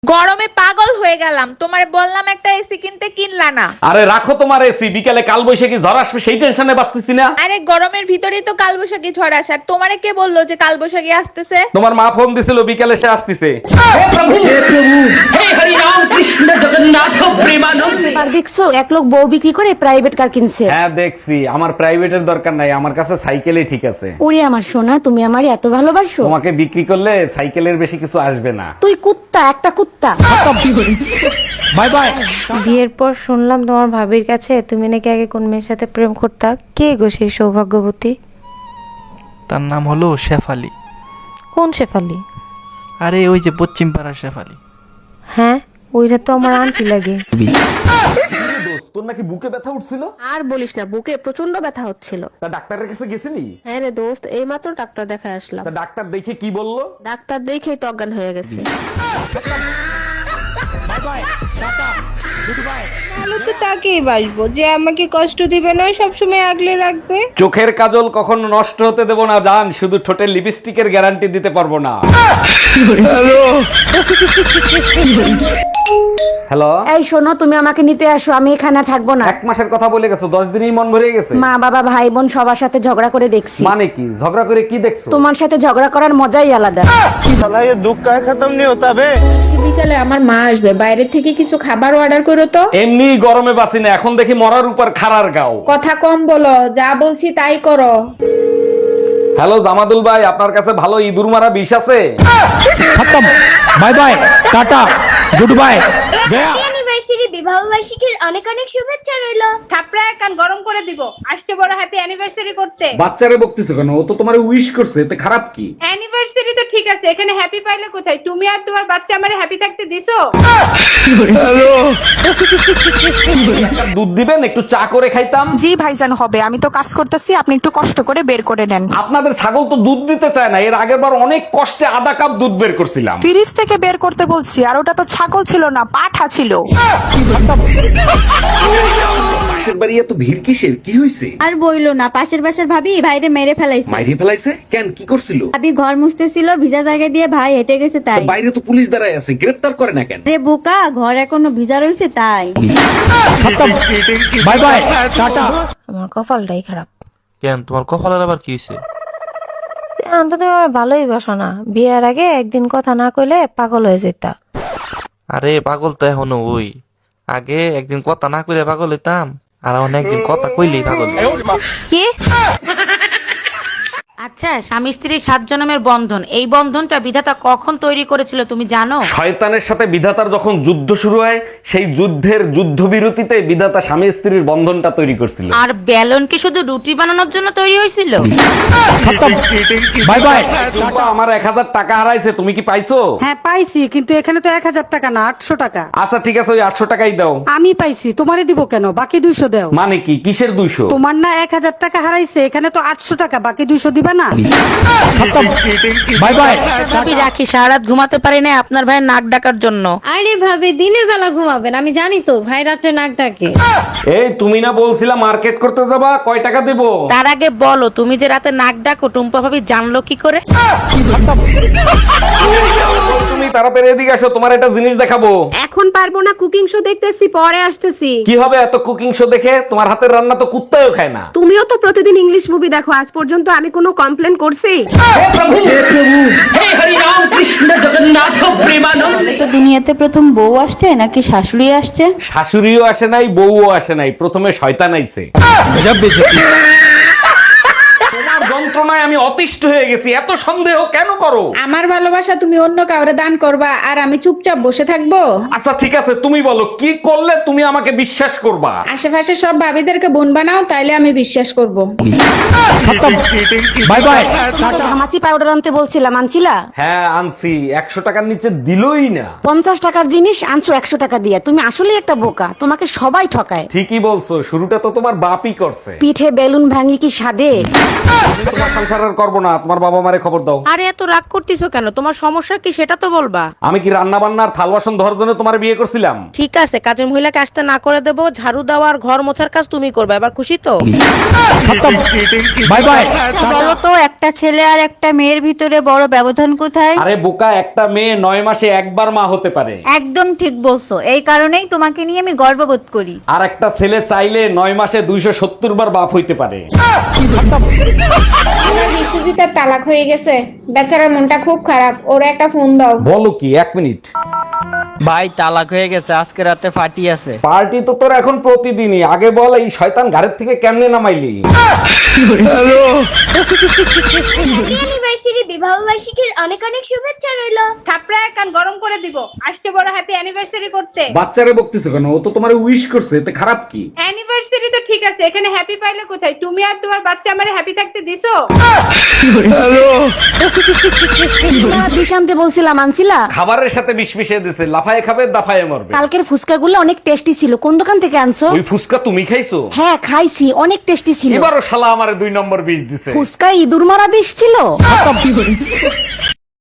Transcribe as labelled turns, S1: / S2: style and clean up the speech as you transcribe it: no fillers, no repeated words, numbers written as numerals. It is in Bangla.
S1: গরমে পাগল হয়ে গেলাম, তোমার বললাম একটা এসি কিনতে, কিনলা না।
S2: আরে রাখো তোমার এসি, বিকালে কাল বৈশাখী ঝড় আসবে সেই টেনশনে বাঁচতেছি না।
S1: আরে গরমের ভিতরেই তো কালবৈশাখী ঝড় আসার, তোমারে কে বললো যে কালবৈশাখী আসতেছে?
S2: তোমার মা ফোন দিছিল বিকালে সে আসতেছে।
S3: আর দেখছো এক লোক বউ বিক্রি করে প্রাইভেট কার কিনছে।
S2: হ্যাঁ দেখছি, আমার প্রাইভেটের দরকার নাই, আমার কাছে সাইকেলই ঠিক আছে।
S3: ওরে আমার সোনা, তুমি আমারে এত ভালোবাসো।
S2: তোমাকে বিক্রি করলে সাইকেলের বেশি কিছু আসবে না।
S3: তুই কুত্তা, একটা কুত্তা।
S2: Bye bye.
S4: বিয়ের পর শুনলাম তোমার ভাবির কাছে তুমি নাকি আগে কোন মেয়ের সাথে প্রেম করতা। কে গো সেই সৌভাগ্যবতী?
S5: তার নাম হলো শেফালি।
S4: কোন শেফালি?
S5: আরে ওই যে পশ্চিম পাড়ার শেফালি।
S4: হ্যাঁ, ওইটা তো আমার আন্টি লাগে।
S2: তোর নাকি বুকে ব্যথা উঠছিল?
S6: আর বলিস না, বুকে প্রচন্ড ব্যথা হচ্ছিল।
S2: তা ডাক্তারের কাছে গেছিলি?
S6: হ্যাঁ রে দোস্ত, এইমাত্র ডাক্তার দেখায় আসলাম।
S2: তা ডাক্তার দেখে কি বললো?
S6: ডাক্তার দেখেই তো অজ্ঞান হয়ে গেছে।
S7: ভালো তো তাকেই বাসবো যে আমাকে কষ্ট দিবে না, সবসময় আগলে রাখবে।
S2: চোখের কাজল কখনো নষ্ট হতে দেব না জান, শুধু ঠোঁটের লিপস্টিকের গ্যারান্টি দিতে পারবো না। হ্যালো,
S3: এই শোনো, তুমি আমাকে নিতে আসো, আমি এখানে থাকবো না।
S2: 1 মাসের কথা বলে গেছো, 10 দিনই মন ভরে গেছে।
S3: মা বাবা ভাই বোন সবার সাথে ঝগড়া করে দেখছি।
S2: মানে কি ঝগড়া করে কি দেখছো?
S3: তোমার সাথে ঝগড়া করার মজাই আলাদা।
S7: বিকালে আমার মা আসবে, বাইরে থেকে কিছু খাবার অর্ডার করো তো।
S2: এমনি গরমে বাঁচি না, এখন দেখি মরার উপর খাড়ার গাও।
S7: কথা কম বলো, যা বলছি তাই করো।
S2: হ্যালো জামাদুল ভাই, আপনার কাছে ভালো ইঁদুর মারা বিষ আছে?
S8: Bye bye, tata, good bye.
S9: Anniversary, বিবাহ বার্ষিকীর অনেক অনেক শুভেচ্ছা রইলো। থাপড়ায় কান গরম করে দিব, আসতে বড় হ্যাপি অ্যানিভার্সারি করতে।
S2: বাচ্চারে বকতেছো কেন? ও তো তোমার উইশ করছে, এতে খারাপ কি?
S9: অ্যানিভার্সারি তো ঠিক আছে, এখানে হ্যাপি পাইলে কোথায়? তুমি আর তোমার বাচ্চা আমারে হ্যাপি থাকতে দিছো?
S2: একটা দুধ দিবেন, একটু চা করে খাইতাম।
S10: জি ভাইজান হবে, আমি তো কাজ করতেছি, আপনি একটু কষ্ট করে বের করে নেন।
S2: আপনাদের ছাগল তো দুধ দিতে চায় না, এর আগের বার অনেক কষ্টে আধা কাপ দুধ বের করছিলাম।
S10: ফ্রিজ থেকে বের করতে বলছি, আর ওটা তো ছাগল ছিল না, পাঠা ছিল।
S2: পাশের বাড়ি এত ভিড় কিসের? কি হয়েছে?
S11: আর বইলো না, পাশের বাসার ভাবি ভাইরে মেরে ফেলাইছে।
S2: মাইরে ফেলাইছে কেন? কি করছিল?
S11: ভাবি ঘর মুছতেছিল, ভিজা জায়গা দিয়ে ভাই হেঁটে গেছে তাই।
S2: বাইরে তো পুলিশ দাঁড়ায় আছে, গ্রেফতার করে না কেন?
S11: রে বোকা, ঘর এখনো ভিজা রয়েছে তাই।
S8: Bye bye, tata.
S4: আমার কপালটাই খারাপ।
S5: কেন, তোমার কপালের আবার কি হয়েছে?
S4: এখন তো তুমি আমার ভালোই বাসো না, বিয়ের আগে একদিন কথা না কইলে পাগল হয়ে যেতা।
S5: আরে পাগল তো এখনো ওই, আগে একদিন কথা না কইলে পাগল হইতাম, আর এখন একদিন কথা কইলেই পাগল।
S4: কি?
S3: আচ্ছা, স্বামী স্ত্রী 7 জন্মের বন্ধন, এই বন্ধনটা বিধাতা কখন তৈরি করেছিল তুমি জানো?
S2: শয়তানের সাথে বিধাতার যখন যুদ্ধ শুরু হয়, সেই যুদ্ধের যুদ্ধবিরতিতে বিধাতা স্বামী স্ত্রীর বন্ধনটা তৈরি করছিল।
S3: আর বেলন কি শুধু রুটি বানানোর জন্য তৈরি হয়েছিল?
S8: Bye bye.
S2: টুম্পা, আমার 1000 টাকা হারাইছে, তুমি কি পাইছো?
S3: হ্যাঁ পাইছি, কিন্তু এখানে তো 1000 টাকা না, 800 টাকা।
S2: আচ্ছা ঠিক আছে, ওই 800 টাকাই দাও।
S3: আমি পাইছি, তোমারে দিব কেন? বাকি 200 দাও।
S2: মানে কি, কিসের 200?
S3: তোমার না 1000 টাকা হারাইছে, এখানে তো 800 টাকা, বাকি 200 দিবা না?
S8: Bye bye.
S3: ভাবি রাখি, সারা রাত ঘুমাতে পারি না আপনার ভাইয়ের নাক ডাকার জন্য।
S7: আরে ভাবে দিনের বেলা ঘুমাবেন, আমি জানি তো ভাই রাত্রে নাক ডাকে।
S2: এই তুমি না বলছিলা মার্কেট করতে যাবা, কয় টাকা দেবো?
S3: তার আগে বলো, তুমি যে রাতে নাক ডাকো টুম্পা ভাবি জানলো কি করে?
S2: তুমি তাড়াতাড়ি এদিকে আসো, তোমার একটা জিনিস দেখাবো।
S6: এখন পারবো না, কুকিং শো দেখতেছি, পরে আসতেছি।
S2: কি হবে এত কুকিং শো দেখে? তোমার হাতের রান্না তো কুত্তাও খায় না।
S6: তুমিও তো প্রতিদিন ইংলিশ মুভি দেখো, আজ পর্যন্ত আমি কোনো কমপ্লেন করছি?
S11: তো দুনিয়াতে প্রথম বউ আসছে নাকি শাশুড়ি আসছে?
S2: শাশুড়িও আসে নাই, বউও আসে নাই, প্রথমে শয়তান আইছে। তোমার যন্ত্রণায় আমি অতিষ্ঠ হয়ে গেছি, এত সন্দেহ কেন করো?
S7: আমার ভালোবাসা তুমি অন্য কাউরে দান করবা আর আমি চুপচাপ বসে থাকবো?
S2: আচ্ছা ঠিক আছে, তুমি বলো কি করলে তুমি আমাকে বিশ্বাস করবা?
S7: আশেপাশে সব ভাবিদেরকে বোন বানাও, তাইলে আমি বিশ্বাস করব।
S8: Bye bye.
S3: ঘামাচি পাউডার আনতে বলছিলাম, আনছিলা?
S2: হ্যাঁ আনছি, 100 টাকার নিচে দিলই না।
S3: 50 টাকার জিনিস আনছো 100 টাকা দিয়ে, তুমি আসলে একটা বোকা, তোমাকে সবাই ঠকায়।
S2: ঠিকই বলছো, শুরুটা তো তোমার বাপই করছে।
S3: পিঠে বেলুন ভাঙি কি সাদে?
S2: তোমার সংসার সংসার আর করবো না, তোমার বাবা মারে খবর দাও।
S3: আরে এত রাগ করতেছো কেন? তোমার সমস্যা কি সেটা তো বলবা।
S2: আমি কি রান্না বান্নার থাল বাসন ধরার জন্য তোমার বিয়ে করছিলাম?
S3: ঠিক আছে, কাজের মহিলাকে আসতে না করে দেবো, ঝাড়ু দেওয়া আর ঘর মোছার কাজ তুমি করবে। এবার খুশি তো?
S8: बाय बाय
S11: বলো তো, একটা ছেলে আর একটা মেয়ের ভিতরে বড় ব্যবধান কোথায়?
S2: আরে বোকা, একটা মেয়ে 9 মাসে একবার মা হতে পারে।
S11: একদম ঠিক বলছো, এই কারণেই তোমাকে নিয়ে আমি গর্ববোধ করি।
S2: আর একটা ছেলে চাইলে 9 মাসে 270 বার বাপ হইতে পারে।
S7: বিশ্বজিৎ তালাক হয়ে গেছে, বেচারার মনটা খুব খারাপ, ওর একটা ফোন দাও।
S2: বলো কি, 1 মিনিট।
S12: ভাই তালাক হয়ে গেছে, আজকে রাতে পার্টি আছে।
S2: পার্টি তো তোর এখন প্রতিদিনই, আগে বল এই শয়তান ঘরের থেকে কেমনে নামাইলি?
S9: অ্যানিভার্সারি বিবাহ বার্ষিকীর অনেক অনেক শুভেচ্ছা রইলো। থাপড়ায় কান গরম করে দিব, আসতে বড় হ্যাপি অ্যানিভার্সারি করতে।
S2: বাচ্চারে বকতেছো কেন? ও তো তোমারে উইশ করছে, এতে খারাপ কি?
S9: অ্যানিভার্সারি তো ঠিক আছে, এখানে হ্যাপি পাইলে কোথায়? তুমি আর তোমার বাচ্চা আমারে হ্যাপি থাকতে দিছো?
S6: বিষ আনতে বলছিলাম, আনছিলা?
S2: খাবারের সাথে বিষ মিশিয়ে দিছে, লাফায় খাবে দাফায় মরবে।
S6: কালকের ফুচকাগুলো অনেক টেস্টি ছিল, কোন দোকান থেকে আনছো?
S2: ওই ফুসকা তুমি খাইছো?
S6: হ্যাঁ খাইছি, অনেক টেস্টি ছিল।
S2: এবারও শালা আমারে 2 নম্বর বিষ দিছে।
S6: ফুচকা ইঁদুর মারা বিষ ছিল।